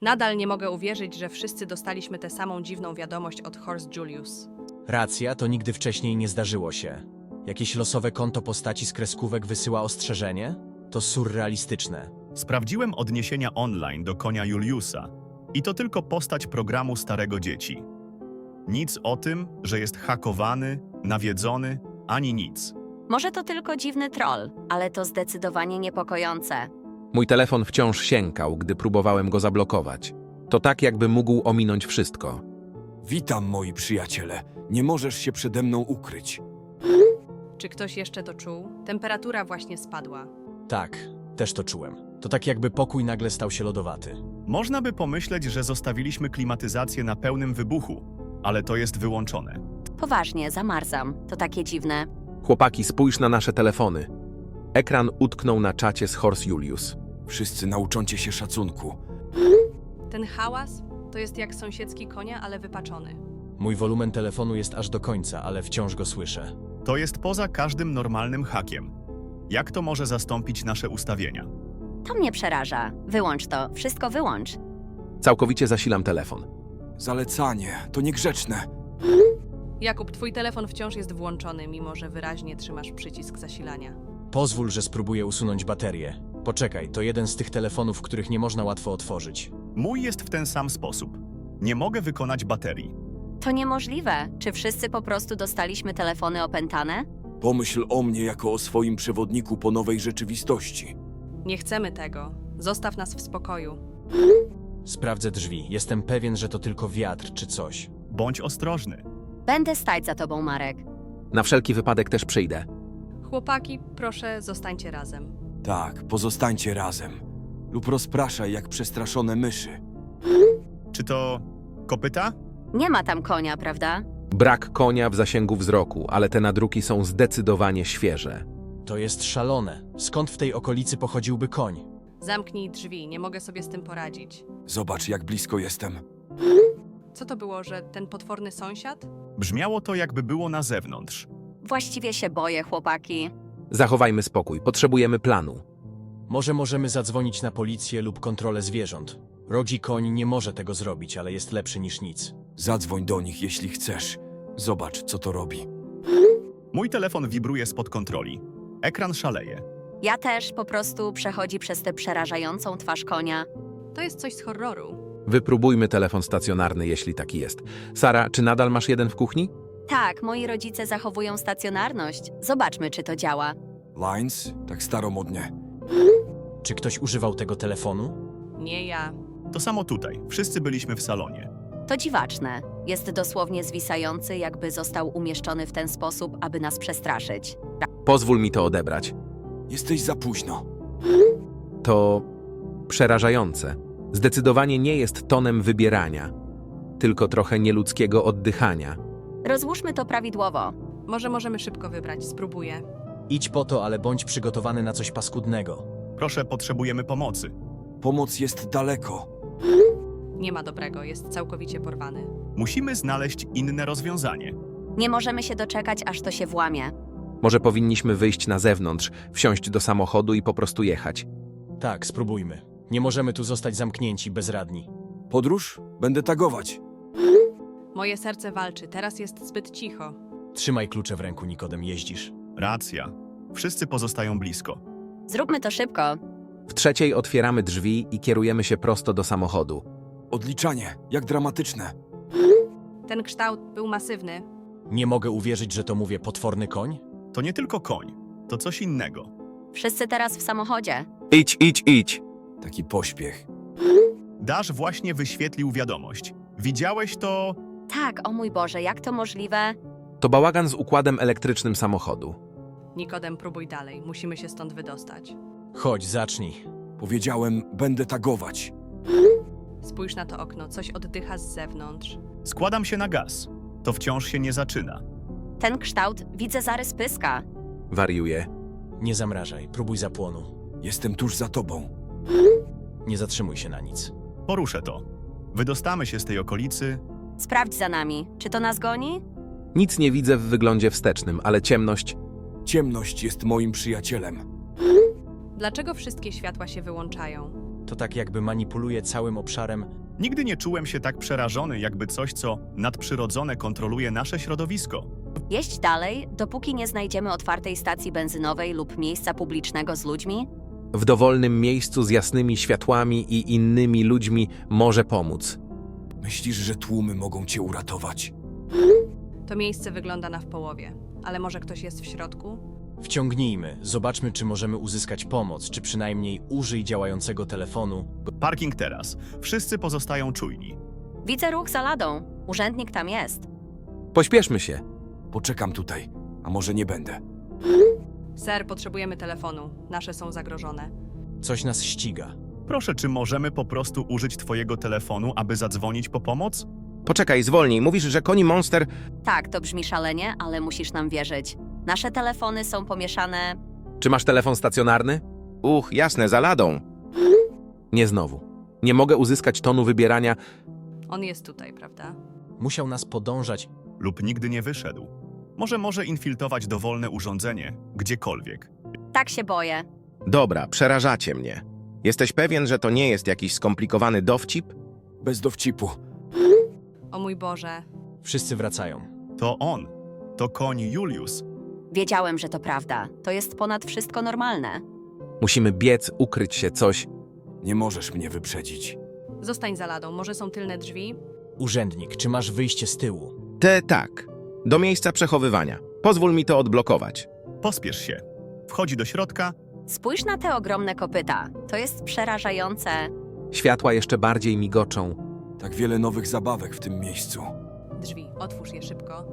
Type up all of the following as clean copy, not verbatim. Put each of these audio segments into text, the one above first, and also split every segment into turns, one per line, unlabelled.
Nadal nie mogę uwierzyć, że wszyscy dostaliśmy tę samą dziwną wiadomość od Horst Julius.
Racja, to nigdy wcześniej nie zdarzyło się. Jakieś losowe konto postaci z kreskówek wysyła ostrzeżenie? To surrealistyczne.
Sprawdziłem odniesienia online do konia Juliusa i to tylko postać programu Starego Dzieci. Nic o tym, że jest hakowany, nawiedzony, ani nic.
Może to tylko dziwny troll, ale to zdecydowanie niepokojące.
Mój telefon wciąż siękał, gdy próbowałem go zablokować. To tak, jakby mógł ominąć wszystko.
Witam, moi przyjaciele. Nie możesz się przede mną ukryć.
Czy ktoś jeszcze to czuł? Temperatura właśnie spadła.
Tak, też to czułem. To tak jakby pokój nagle stał się lodowaty.
Można by pomyśleć, że zostawiliśmy klimatyzację na pełnym wybuchu, ale to jest wyłączone.
Poważnie, zamarzam. To takie dziwne.
Chłopaki, spójrz na nasze telefony. Ekran utknął na czacie z Horst Julius.
Wszyscy nauczą się szacunku.
Ten hałas to jest jak sąsiedzki konia, ale wypaczony.
Mój wolumen telefonu jest aż do końca, ale wciąż go słyszę.
To jest poza każdym normalnym hakiem. Jak to może zastąpić nasze ustawienia?
To mnie przeraża. Wyłącz to. Wszystko wyłącz.
Całkowicie zasilam telefon.
Zalecanie, to niegrzeczne.
Jakub, twój telefon wciąż jest włączony, mimo że wyraźnie trzymasz przycisk zasilania.
Pozwól, że spróbuję usunąć baterię. Poczekaj, to jeden z tych telefonów, których nie można łatwo otworzyć.
Mój jest w ten sam sposób. Nie mogę wykonać baterii.
To niemożliwe. Czy wszyscy po prostu dostaliśmy telefony opętane?
Pomyśl o mnie jako o swoim przewodniku po nowej rzeczywistości.
Nie chcemy tego. Zostaw nas w spokoju.
Sprawdzę drzwi. Jestem pewien, że to tylko wiatr czy coś.
Bądź ostrożny.
Będę stać za tobą, Marek.
Na wszelki wypadek też przyjdę.
Chłopaki, proszę, zostańcie razem.
Tak, pozostańcie razem. Lub rozpraszaj jak przestraszone myszy.
Czy to kopyta?
Nie ma tam konia, prawda?
Brak konia w zasięgu wzroku, ale te nadruki są zdecydowanie świeże.
To jest szalone. Skąd w tej okolicy pochodziłby koń?
Zamknij drzwi, nie mogę sobie z tym poradzić.
Zobacz, jak blisko jestem.
Co to było, że ten potworny sąsiad?
Brzmiało to, jakby było na zewnątrz.
Właściwie się boję, chłopaki.
Zachowajmy spokój, potrzebujemy planu.
Może możemy zadzwonić na policję lub kontrolę zwierząt. Rogi koń nie może tego zrobić, ale jest lepszy niż nic.
Zadzwoń do nich, jeśli chcesz. Zobacz, co to robi.
Mój telefon wibruje spod kontroli. Ekran szaleje.
Ja też po prostu przechodzi przez tę przerażającą twarz konia.
To jest coś z horroru.
Wypróbujmy telefon stacjonarny, jeśli taki jest. Sara, czy nadal masz jeden w kuchni?
Tak, moi rodzice zachowują stacjonarność. Zobaczmy, czy to działa.
Lines? Tak staromodnie.
Czy ktoś używał tego telefonu?
Nie ja.
To samo tutaj. Wszyscy byliśmy w salonie.
To dziwaczne. Jest dosłownie zwisający, jakby został umieszczony w ten sposób, aby nas przestraszyć.
Pozwól mi to odebrać.
Jesteś za późno.
To przerażające. Zdecydowanie nie jest tonem wybierania, tylko trochę nieludzkiego oddychania.
Rozłóżmy to prawidłowo.
Może możemy szybko wybrać, spróbuję.
Idź po to, ale bądź przygotowany na coś paskudnego.
Proszę, potrzebujemy pomocy.
Pomoc jest daleko.
Nie ma dobrego, jest całkowicie porwany.
Musimy znaleźć inne rozwiązanie.
Nie możemy się doczekać, aż to się włamie.
Może powinniśmy wyjść na zewnątrz, wsiąść do samochodu i po prostu jechać.
Tak, spróbujmy. Nie możemy tu zostać zamknięci, bezradni.
Podróż? Będę tagować.
Moje serce walczy, teraz jest zbyt cicho.
Trzymaj klucze w ręku, Nikodem, jeździsz.
Racja. Wszyscy pozostają blisko.
Zróbmy to szybko.
W trzeciej otwieramy drzwi i kierujemy się prosto do samochodu.
Odliczanie, jak dramatyczne.
Ten kształt był masywny.
Nie mogę uwierzyć, że to mówię potworny koń?
To nie tylko koń. To coś innego.
Wszyscy teraz w samochodzie.
Idź, idź, idź!
Taki pośpiech.
Dash właśnie wyświetlił wiadomość. Widziałeś to?
Tak, o mój Boże, jak to możliwe?
To bałagan z układem elektrycznym samochodu.
Nikodem, próbuj dalej, musimy się stąd wydostać.
Chodź, zacznij.
Powiedziałem, będę tagować.
Spójrz na to okno, coś oddycha z zewnątrz.
Składam się na gaz. To wciąż się nie zaczyna.
Ten kształt, widzę zarys pyska.
Wariuje.
Nie zamrażaj, próbuj zapłonu.
Jestem tuż za tobą.
Nie zatrzymuj się na nic.
Poruszę to. Wydostamy się z tej okolicy.
Sprawdź za nami. Czy to nas goni?
Nic nie widzę w wyglądzie wstecznym, ale ciemność.
Ciemność jest moim przyjacielem.
Dlaczego wszystkie światła się wyłączają?
To tak jakby manipuluje całym obszarem.
Nigdy nie czułem się tak przerażony, jakby coś, co nadprzyrodzone kontroluje nasze środowisko.
Jeźdź dalej, dopóki nie znajdziemy otwartej stacji benzynowej lub miejsca publicznego z ludźmi.
W dowolnym miejscu z jasnymi światłami i innymi ludźmi może pomóc.
Myślisz, że tłumy mogą cię uratować?
To miejsce wygląda na w połowie, ale może ktoś jest w środku?
Wciągnijmy, zobaczmy, czy możemy uzyskać pomoc, czy przynajmniej użyj działającego telefonu.
Parking teraz. Wszyscy pozostają czujni.
Widzę ruch za ladą. Urzędnik tam jest.
Pośpieszmy się.
Poczekam tutaj, a może nie będę.
Ser, potrzebujemy telefonu. Nasze są zagrożone.
Coś nas ściga.
Proszę, czy możemy po prostu użyć twojego telefonu, aby zadzwonić po pomoc?
Poczekaj, zwolnij. Mówisz, że Koni Monster...
Tak, to brzmi szalenie, ale musisz nam wierzyć. Nasze telefony są pomieszane.
Czy masz telefon stacjonarny?
Jasne, za ladą.
Nie znowu. Nie mogę uzyskać tonu wybierania.
On jest tutaj, prawda?
Musiał nas podążać.
Lub nigdy nie wyszedł. Może infiltrować dowolne urządzenie, gdziekolwiek.
Tak się boję.
Dobra, przerażacie mnie. Jesteś pewien, że to nie jest jakiś skomplikowany dowcip?
Bez dowcipu.
O mój Boże.
Wszyscy wracają.
To on. To koń Julius.
Wiedziałem, że to prawda. To jest ponad wszystko normalne.
Musimy biec, ukryć się, coś.
Nie możesz mnie wyprzedzić.
Zostań za ladą. Może są tylne drzwi?
Urzędnik, czy masz wyjście z tyłu?
Tak. Do miejsca przechowywania. Pozwól mi to odblokować.
Pospiesz się. Wchodzi do środka.
Spójrz na te ogromne kopyta. To jest przerażające.
Światła jeszcze bardziej migoczą.
Tak wiele nowych zabawek w tym miejscu.
Drzwi. Otwórz je szybko.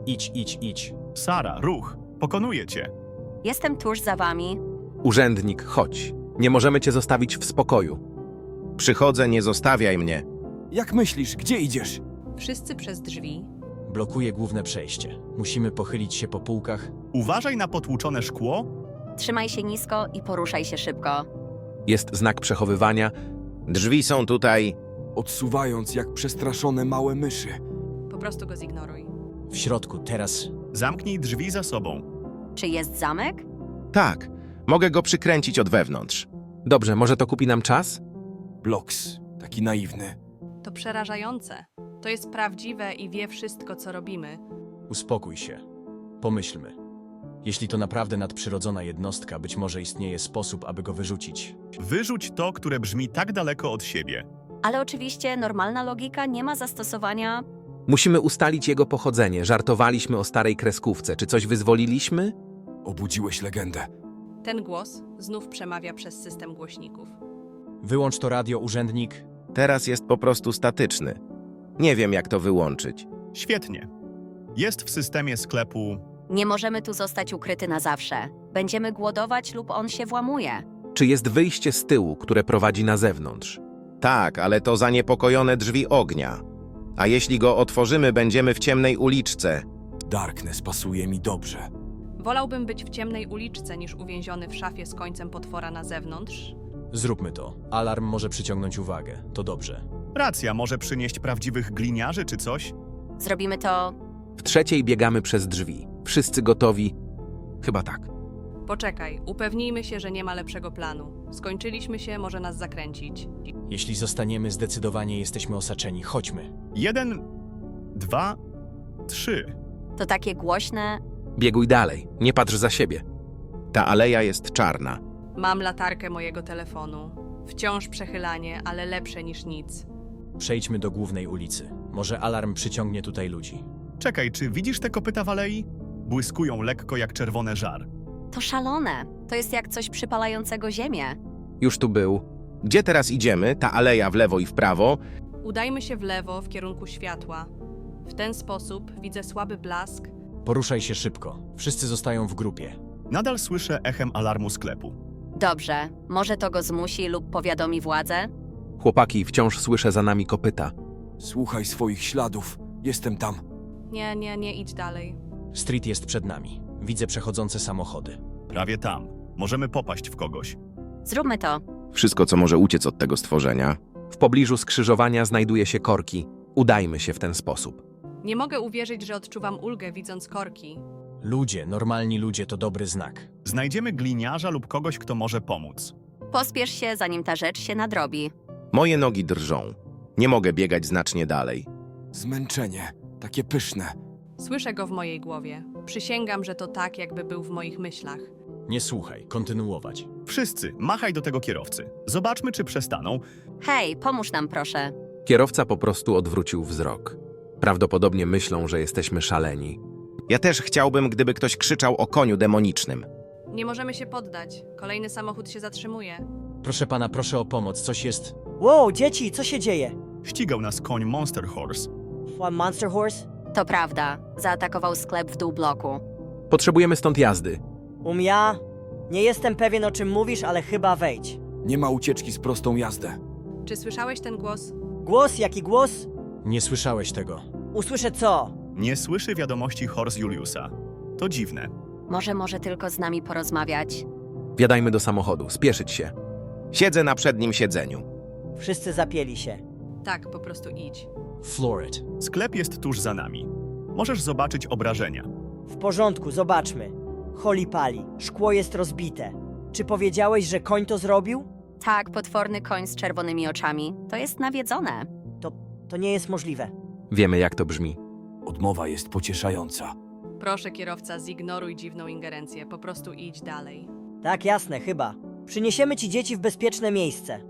Idź.
Sara, ruch. Pokonuje cię.
Jestem tuż za wami.
Urzędnik, chodź. Nie możemy cię zostawić w spokoju.
Przychodzę, nie zostawiaj mnie.
Jak myślisz, gdzie idziesz?
Wszyscy przez drzwi.
Blokuje główne przejście. Musimy pochylić się po półkach.
Uważaj na potłuczone szkło.
Trzymaj się nisko i poruszaj się szybko.
Jest znak przechowywania.
Drzwi są tutaj.
Odsuwając jak przestraszone małe myszy.
Po prostu go zignoruj.
W środku, teraz.
Zamknij drzwi za sobą.
Czy jest zamek?
Tak, mogę go przykręcić od wewnątrz.
Dobrze, może to kupi nam czas?
Bloks, taki naiwny.
To przerażające. To jest prawdziwe i wie wszystko, co robimy.
Uspokój się. Pomyślmy. Jeśli to naprawdę nadprzyrodzona jednostka, być może istnieje sposób, aby go wyrzucić.
Wyrzuć to, które brzmi tak daleko od siebie.
Ale oczywiście normalna logika nie ma zastosowania.
Musimy ustalić jego pochodzenie. Żartowaliśmy o starej kreskówce. Czy coś wyzwoliliśmy?
Obudziłeś legendę.
Ten głos znów przemawia przez system głośników.
Wyłącz to radio, urzędnik.
Teraz jest po prostu statyczny. Nie wiem, jak to wyłączyć.
Świetnie. Jest w systemie sklepu.
Nie możemy tu zostać ukryty na zawsze. Będziemy głodować lub on się włamuje.
Czy jest wyjście z tyłu, które prowadzi na zewnątrz?
Tak, ale to zaniepokojone drzwi ognia. A jeśli go otworzymy, będziemy w ciemnej uliczce.
Darkness pasuje mi dobrze.
Wolałbym być w ciemnej uliczce niż uwięziony w szafie z końcem potwora na zewnątrz.
Zróbmy to. Alarm może przyciągnąć uwagę. To dobrze.
Racja, może przynieść prawdziwych gliniarzy czy coś?
Zrobimy to.
W trzeciej biegamy przez drzwi. Wszyscy gotowi? Chyba tak.
Poczekaj, upewnijmy się, że nie ma lepszego planu. Skończyliśmy się, może nas zakręcić.
Jeśli zostaniemy, zdecydowanie jesteśmy osaczeni. Chodźmy.
1, 2, 3.
To takie głośne.
Bieguj dalej. Nie patrz za siebie.
Ta aleja jest czarna.
Mam latarkę mojego telefonu. Wciąż przechylanie, ale lepsze niż nic.
Przejdźmy do głównej ulicy. Może alarm przyciągnie tutaj ludzi.
Czekaj, czy widzisz te kopyta w alei? Błyskują lekko jak czerwony żar.
To szalone. To jest jak coś przypalającego ziemię.
Już tu był. Gdzie teraz idziemy? Ta aleja w lewo i w prawo?
Udajmy się w lewo, w kierunku światła. W ten sposób widzę słaby blask.
Poruszaj się szybko. Wszyscy zostają w grupie.
Nadal słyszę echem alarmu sklepu.
Dobrze. Może to go zmusi lub powiadomi władzę?
Chłopaki, wciąż słyszę za nami kopyta.
Słuchaj swoich śladów. Jestem tam.
Nie idź dalej.
Street jest przed nami. Widzę przechodzące samochody.
Prawie tam. Możemy popaść w kogoś.
Zróbmy to.
Wszystko, co może uciec od tego stworzenia.
W pobliżu skrzyżowania znajduje się korki. Udajmy się w ten sposób.
Nie mogę uwierzyć, że odczuwam ulgę, widząc korki.
Ludzie, normalni ludzie to dobry znak.
Znajdziemy gliniarza lub kogoś, kto może pomóc.
Pospiesz się, zanim ta rzecz się nadrobi.
Moje nogi drżą. Nie mogę biegać znacznie dalej.
Zmęczenie, takie pyszne.
Słyszę go w mojej głowie. Przysięgam, że to tak, jakby był w moich myślach.
Nie słuchaj, kontynuować.
Wszyscy, machaj do tego kierowcy. Zobaczmy, czy przestaną.
Hej, pomóż nam proszę.
Kierowca po prostu odwrócił wzrok. Prawdopodobnie myślą, że jesteśmy szaleni.
Ja też chciałbym, gdyby ktoś krzyczał o koniu demonicznym.
Nie możemy się poddać. Kolejny samochód się zatrzymuje.
Proszę pana, proszę o pomoc, coś jest...
Wow, dzieci, co się dzieje?
Ścigał nas koń Monster Horse.
Monster Horse?
To prawda, zaatakował sklep w dół bloku.
Potrzebujemy stąd jazdy.
Ja? Nie jestem pewien, o czym mówisz, ale chyba wejdź.
Nie ma ucieczki z prostą jazdę.
Czy słyszałeś ten głos?
Głos, jaki głos?
Nie słyszałeś tego.
Usłyszę co?
Nie słyszy wiadomości Horse Juliusa. To dziwne.
Może tylko z nami porozmawiać.
Wjadajmy do samochodu, spieszyć się.
Siedzę na przednim siedzeniu.
Wszyscy zapięli się.
Tak, po prostu idź.
Florid.
Sklep jest tuż za nami. Możesz zobaczyć obrażenia.
W porządku, zobaczmy. Holi pali, szkło jest rozbite. Czy powiedziałeś, że koń to zrobił?
Tak, potworny koń z czerwonymi oczami. To jest nawiedzone.
To nie jest możliwe.
Wiemy, jak to brzmi.
Odmowa jest pocieszająca.
Proszę, kierowca, zignoruj dziwną ingerencję. Po prostu idź dalej.
Tak, jasne, chyba. Przyniesiemy ci dzieci w bezpieczne miejsce.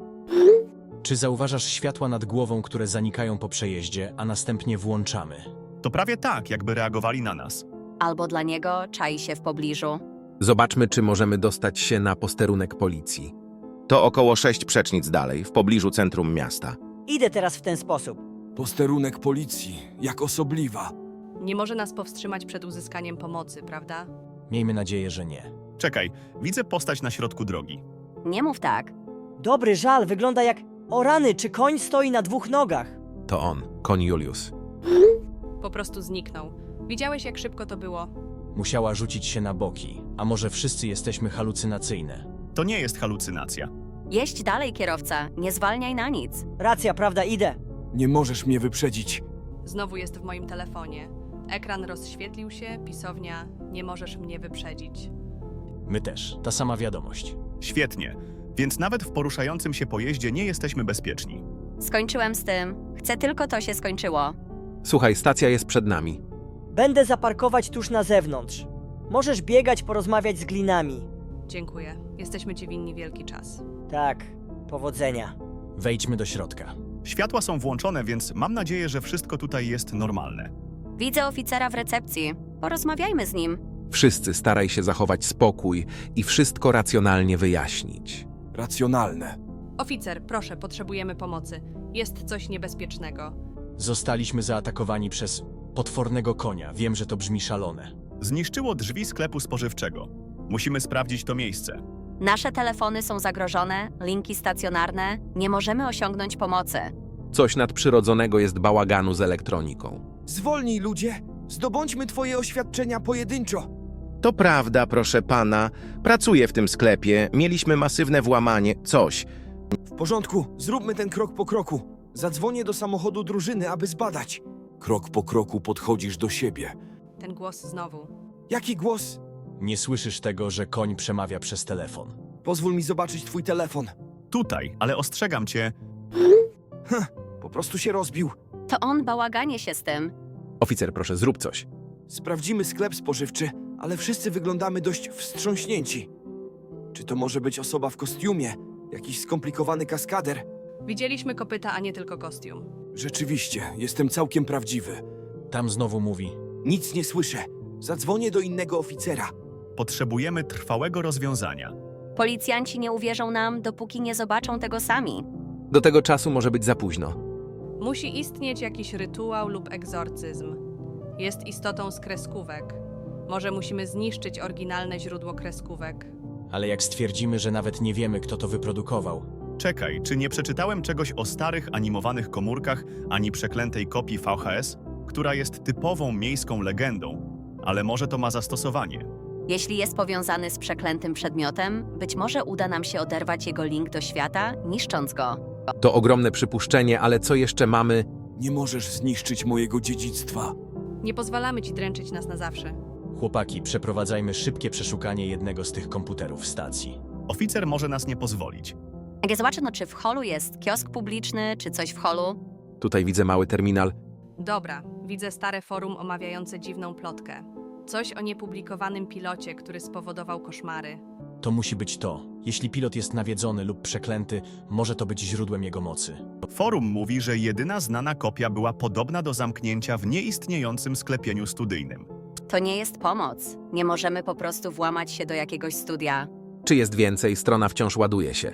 Czy zauważasz światła nad głową, które zanikają po przejeździe, a następnie włączamy?
To prawie tak, jakby reagowali na nas.
Albo dla niego czai się w pobliżu.
Zobaczmy, czy możemy dostać się na posterunek policji.
To około 6 przecznic dalej, w pobliżu centrum miasta.
Idę teraz w ten sposób.
Posterunek policji, jak osobliwa.
Nie może nas powstrzymać przed uzyskaniem pomocy, prawda?
Miejmy nadzieję, że nie.
Czekaj, widzę postać na środku drogi.
Nie mów tak.
Dobry żal, wygląda jak... O rany, czy koń stoi na 2 nogach?
To on, koń Julius.
Po prostu zniknął. Widziałeś, jak szybko to było?
Musiała rzucić się na boki. A może wszyscy jesteśmy halucynacyjne?
To nie jest halucynacja.
Jeźdź dalej, kierowca. Nie zwalniaj na nic.
Racja, prawda, idę.
Nie możesz mnie wyprzedzić.
Znowu jest w moim telefonie. Ekran rozświetlił się, pisownia, nie możesz mnie wyprzedzić.
My też. Ta sama wiadomość.
Świetnie. Więc nawet w poruszającym się pojeździe nie jesteśmy bezpieczni.
Skończyłem z tym. Chcę tylko to się skończyło.
Słuchaj, stacja jest przed nami.
Będę zaparkować tuż na zewnątrz. Możesz biegać, porozmawiać z glinami.
Dziękuję. Jesteśmy ci winni wielki czas.
Tak, powodzenia.
Wejdźmy do środka.
Światła są włączone, więc mam nadzieję, że wszystko tutaj jest normalne.
Widzę oficera w recepcji. Porozmawiajmy z nim.
Wszyscy staraj się zachować spokój i wszystko racjonalnie wyjaśnić.
Racjonalne.
Oficer, proszę, potrzebujemy pomocy. Jest coś niebezpiecznego.
Zostaliśmy zaatakowani przez potwornego konia. Wiem, że to brzmi szalone.
Zniszczyło drzwi sklepu spożywczego. Musimy sprawdzić to miejsce.
Nasze telefony są zagrożone, linki stacjonarne. Nie możemy osiągnąć pomocy.
Coś nadprzyrodzonego jest bałaganu z elektroniką.
Zwolnij, ludzie! Zdobądźmy twoje oświadczenia pojedynczo!
To prawda, proszę pana. Pracuję w tym sklepie. Mieliśmy masywne włamanie. Coś.
W porządku, zróbmy ten krok po kroku. Zadzwonię do samochodu drużyny, aby zbadać.
Krok po kroku podchodzisz do siebie.
Ten głos znowu.
Jaki głos?
Nie słyszysz tego, że koń przemawia przez telefon.
Pozwól mi zobaczyć twój telefon.
Tutaj, ale ostrzegam cię,
Po prostu się rozbił.
To on bałaganie się z tym.
Oficer, proszę, zrób coś.
Sprawdzimy sklep spożywczy, ale wszyscy wyglądamy dość wstrząśnięci. Czy to może być osoba w kostiumie? Jakiś skomplikowany kaskader?
Widzieliśmy kopyta, a nie tylko kostium.
Rzeczywiście, jestem całkiem prawdziwy.
Tam znowu mówi.
Nic nie słyszę. Zadzwonię do innego oficera.
potrzebujemy trwałego rozwiązania.
Policjanci nie uwierzą nam, dopóki nie zobaczą tego sami.
Do tego czasu może być za późno.
Musi istnieć jakiś rytuał lub egzorcyzm. Jest istotą z kreskówek. Może musimy zniszczyć oryginalne źródło kreskówek.
Ale jak stwierdzimy, że nawet nie wiemy, kto to wyprodukował?
Czekaj, czy nie przeczytałem czegoś o starych animowanych komórkach ani przeklętej kopii VHS, która jest typową miejską legendą, ale może to ma zastosowanie.
Jeśli jest powiązany z przeklętym przedmiotem, być może uda nam się oderwać jego link do świata, niszcząc go.
To ogromne przypuszczenie, ale co jeszcze mamy?
Nie możesz zniszczyć mojego dziedzictwa.
Nie pozwalamy ci dręczyć nas na zawsze.
Chłopaki, przeprowadzajmy szybkie przeszukanie jednego z tych komputerów w stacji.
Oficer może nas nie pozwolić.
Jak ja zobaczę, no czy w holu jest kiosk publiczny, czy coś w holu?
Tutaj widzę mały terminal.
Dobra, widzę stare forum omawiające dziwną plotkę. Coś o niepublikowanym pilocie, który spowodował koszmary.
To musi być to. Jeśli pilot jest nawiedzony lub przeklęty, może to być źródłem jego mocy.
Forum mówi, że jedyna znana kopia była podobna do zamknięcia w nieistniejącym sklepieniu studyjnym.
To nie jest pomoc. Nie możemy po prostu włamać się do jakiegoś studia.
Czy jest więcej? Strona wciąż ładuje się.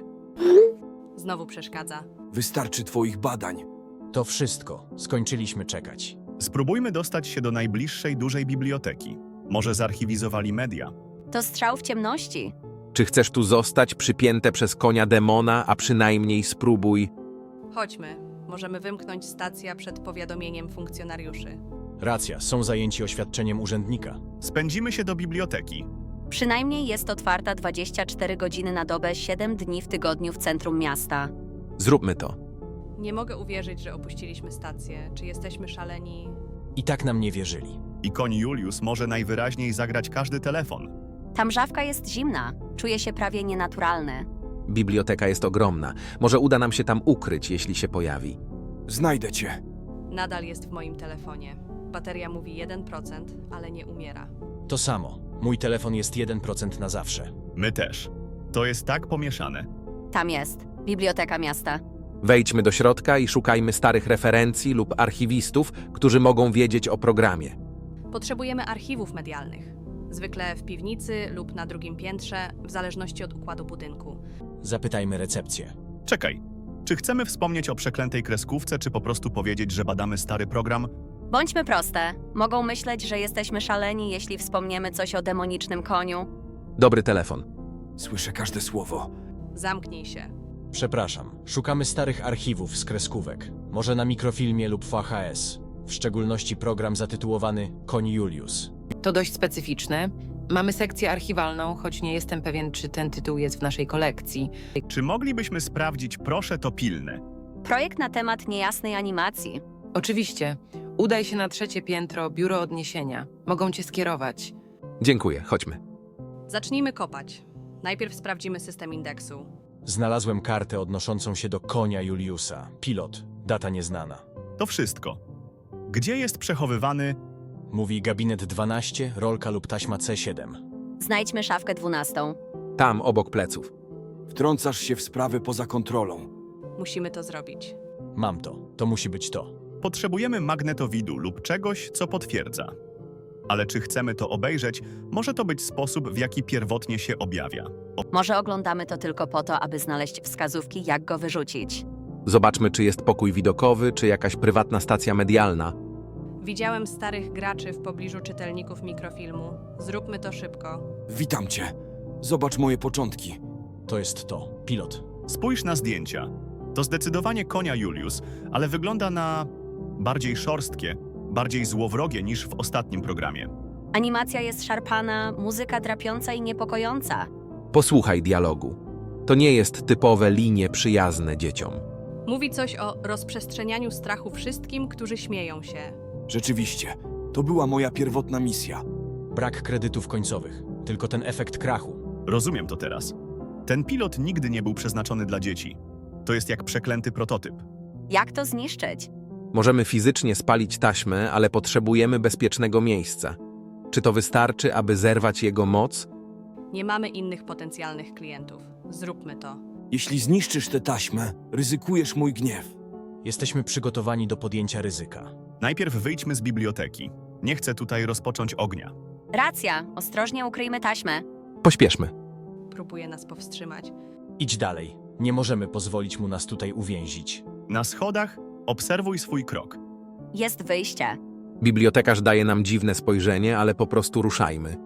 Znowu przeszkadza.
Wystarczy twoich badań.
To wszystko. Skończyliśmy czekać.
Spróbujmy dostać się do najbliższej dużej biblioteki. Może zarchiwizowali media.
To strzał w ciemności.
Czy chcesz tu zostać przypięte przez konia demona, a przynajmniej spróbuj?
Chodźmy. Możemy wymknąć stacja przed powiadomieniem funkcjonariuszy.
Racja, są zajęci oświadczeniem urzędnika.
Spędzimy się do biblioteki.
Przynajmniej jest otwarta 24 godziny na dobę, 7 dni w tygodniu w centrum miasta.
Zróbmy to.
Nie mogę uwierzyć, że opuściliśmy stację. Czy jesteśmy szaleni?
I tak nam nie wierzyli.
I koń Julius może najwyraźniej zagrać każdy telefon.
Ta mrzawka jest zimna. Czuje się prawie nienaturalny.
Biblioteka jest ogromna. Może uda nam się tam ukryć, jeśli się pojawi.
Znajdę cię.
Nadal jest w moim telefonie. Bateria mówi 1%, ale nie umiera.
To samo. Mój telefon jest 1% na zawsze.
My też. To jest tak pomieszane.
Tam jest. Biblioteka miasta.
Wejdźmy do środka i szukajmy starych referencji lub archiwistów, którzy mogą wiedzieć o programie.
Potrzebujemy archiwów medialnych. Zwykle w piwnicy lub na drugim piętrze, w zależności od układu budynku.
Zapytajmy recepcję.
Czekaj. Czy chcemy wspomnieć o przeklętej kreskówce, czy po prostu powiedzieć, że badamy stary program?
Bądźmy proste. Mogą myśleć, że jesteśmy szaleni, jeśli wspomniemy coś o demonicznym koniu.
Dobry telefon.
Słyszę każde słowo.
Zamknij się.
Przepraszam, szukamy starych archiwów z kreskówek. Może na mikrofilmie lub VHS. W szczególności program zatytułowany Koń Julius.
To dość specyficzne. Mamy sekcję archiwalną, choć nie jestem pewien, czy ten tytuł jest w naszej kolekcji.
Czy moglibyśmy sprawdzić, proszę, to pilne?
Projekt na temat niejasnej animacji.
Oczywiście. Udaj się na 3. piętro, biuro odniesienia. Mogą cię skierować.
Dziękuję, chodźmy.
Zacznijmy kopać. Najpierw sprawdzimy system indeksu.
Znalazłem kartę odnoszącą się do konia Juliusa. Pilot. Data nieznana.
To wszystko. Gdzie jest przechowywany...
Mówi gabinet 12, rolka lub taśma C7.
Znajdźmy szafkę 12.
Tam, obok pleców.
Wtrącasz się w sprawy poza kontrolą.
Musimy to zrobić.
Mam to. To musi być to.
Potrzebujemy magnetowidu lub czegoś, co potwierdza. Ale czy chcemy to obejrzeć, może to być sposób, w jaki pierwotnie się objawia.
Może oglądamy to tylko po to, aby znaleźć wskazówki, jak go wyrzucić.
Zobaczmy, czy jest pokój widokowy, czy jakaś prywatna stacja medialna.
Widziałem starych graczy w pobliżu czytelników mikrofilmu. Zróbmy to szybko.
Witam cię. Zobacz moje początki.
To jest to. Pilot.
Spójrz na zdjęcia. To zdecydowanie konia Julius, ale wygląda na bardziej szorstkie, bardziej złowrogie niż w ostatnim programie.
Animacja jest szarpana, muzyka drapiąca i niepokojąca.
Posłuchaj dialogu. To nie jest typowe linie przyjazne dzieciom.
Mówi coś o rozprzestrzenianiu strachu wszystkim, którzy śmieją się.
Rzeczywiście, to była moja pierwotna misja.
Brak kredytów końcowych. Tylko ten efekt krachu.
Rozumiem to teraz. Ten pilot nigdy nie był przeznaczony dla dzieci. To jest jak przeklęty prototyp.
Jak to zniszczyć?
Możemy fizycznie spalić taśmę, ale potrzebujemy bezpiecznego miejsca. Czy to wystarczy, aby zerwać jego moc?
Nie mamy innych potencjalnych klientów. Zróbmy to.
Jeśli zniszczysz tę taśmę, ryzykujesz mój gniew.
Jesteśmy przygotowani do podjęcia ryzyka.
Najpierw wyjdźmy z biblioteki. Nie chcę tutaj rozpocząć ognia.
Racja, ostrożnie ukryjmy taśmę.
Pośpieszmy.
Próbuje nas powstrzymać.
Idź dalej. Nie możemy pozwolić mu nas tutaj uwięzić.
Na schodach obserwuj swój krok.
Jest wyjście.
Bibliotekarz daje nam dziwne spojrzenie, ale po prostu ruszajmy.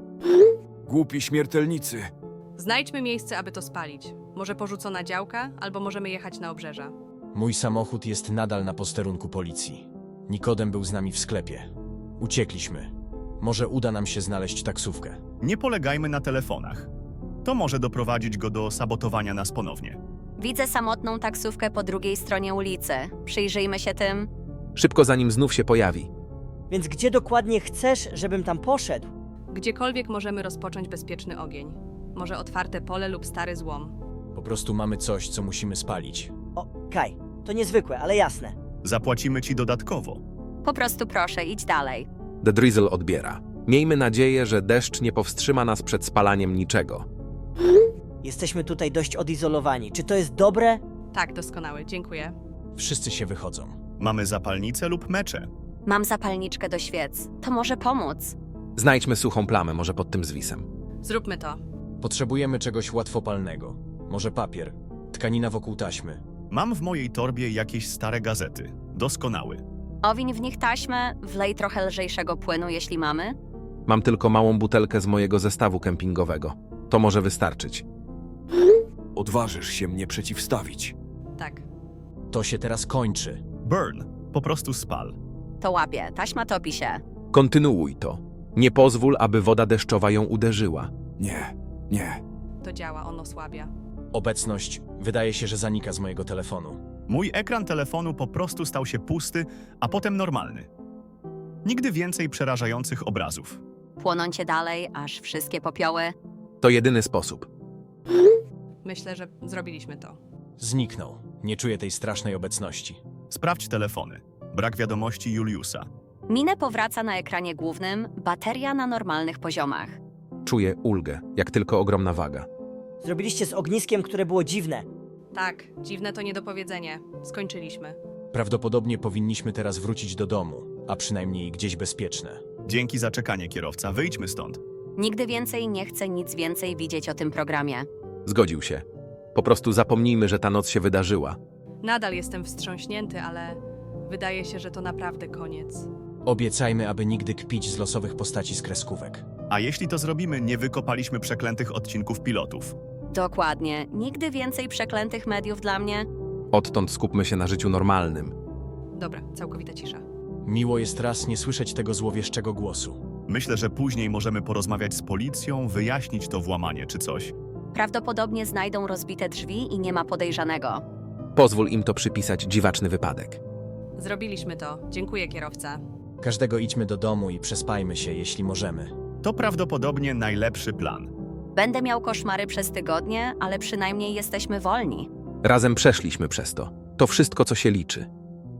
Głupi śmiertelnicy.
Znajdźmy miejsce, aby to spalić. Może porzucona działka, albo możemy jechać na obrzeża.
Mój samochód jest nadal na posterunku policji. Nikodem był z nami w sklepie. Uciekliśmy. Może uda nam się znaleźć taksówkę.
Nie polegajmy na telefonach. To może doprowadzić go do sabotowania nas ponownie.
Widzę samotną taksówkę po drugiej stronie ulicy. Przyjrzyjmy się tym.
Szybko, zanim znów się pojawi.
Więc gdzie dokładnie chcesz, żebym tam poszedł?
Gdziekolwiek możemy rozpocząć bezpieczny ogień. Może otwarte pole lub stary złom.
Po prostu mamy coś, co musimy spalić.
O, Kaj, to niezwykłe, ale jasne.
Zapłacimy ci dodatkowo.
Po prostu proszę, idź dalej.
The Drizzle odbiera. Miejmy nadzieję, że deszcz nie powstrzyma nas przed spalaniem niczego.
Jesteśmy tutaj dość odizolowani. Czy to jest dobre?
Tak, doskonały, dziękuję.
Wszyscy się wychodzą.
Mamy zapalnice lub mecze.
Mam zapalniczkę do świec. To może pomóc.
Znajdźmy suchą plamę, może pod tym zwisem.
Zróbmy to.
Potrzebujemy czegoś łatwopalnego. Może papier, tkanina wokół taśmy.
Mam w mojej torbie jakieś stare gazety. Doskonały.
Owiń w nich taśmę, wlej trochę lżejszego płynu, jeśli mamy.
Mam tylko małą butelkę z mojego zestawu kempingowego. To może wystarczyć.
Odważysz się mnie przeciwstawić.
Tak.
To się teraz kończy.
Burn. Po prostu spal.
To łapie, taśma topi się.
Kontynuuj to. Nie pozwól, aby woda deszczowa ją uderzyła.
Nie, nie.
To działa, on osłabia.
Obecność wydaje się, że zanika z mojego telefonu.
Mój ekran telefonu po prostu stał się pusty, a potem normalny. Nigdy więcej przerażających obrazów.
Płonącie dalej, aż wszystkie popioły.
To jedyny sposób.
Myślę, że zrobiliśmy to.
Zniknął. Nie czuję tej strasznej obecności.
Sprawdź telefony. Brak wiadomości Juliusa.
Minę powraca na ekranie głównym, bateria na normalnych poziomach.
Czuję ulgę, jak tylko ogromna waga.
Zrobiliście z ogniskiem, które było dziwne.
Tak, dziwne to niedopowiedzenie. Skończyliśmy.
Prawdopodobnie powinniśmy teraz wrócić do domu, a przynajmniej gdzieś bezpieczne.
Dzięki za czekanie, kierowca. Wyjdźmy stąd.
Nigdy więcej nie chcę nic więcej widzieć o tym programie.
Zgodził się. Po prostu zapomnijmy, że ta noc się wydarzyła.
Nadal jestem wstrząśnięty, ale wydaje się, że to naprawdę koniec.
Obiecajmy, aby nigdy kpić z losowych postaci z kreskówek.
A jeśli to zrobimy, nie wykopaliśmy przeklętych odcinków pilotów.
Dokładnie. Nigdy więcej przeklętych mediów dla mnie.
Odtąd skupmy się na życiu normalnym.
Dobra, całkowita cisza.
Miło jest raz nie słyszeć tego złowieszczego głosu.
Myślę, że później możemy porozmawiać z policją, wyjaśnić to włamanie czy coś.
Prawdopodobnie znajdą rozbite drzwi i nie ma podejrzanego.
Pozwól im to przypisać dziwaczny wypadek.
Zrobiliśmy to. Dziękuję, kierowca.
Każdego idźmy do domu i przespajmy się, jeśli możemy.
To prawdopodobnie najlepszy plan.
Będę miał koszmary przez tygodnie, ale przynajmniej jesteśmy wolni.
Razem przeszliśmy przez to. To wszystko, co się liczy.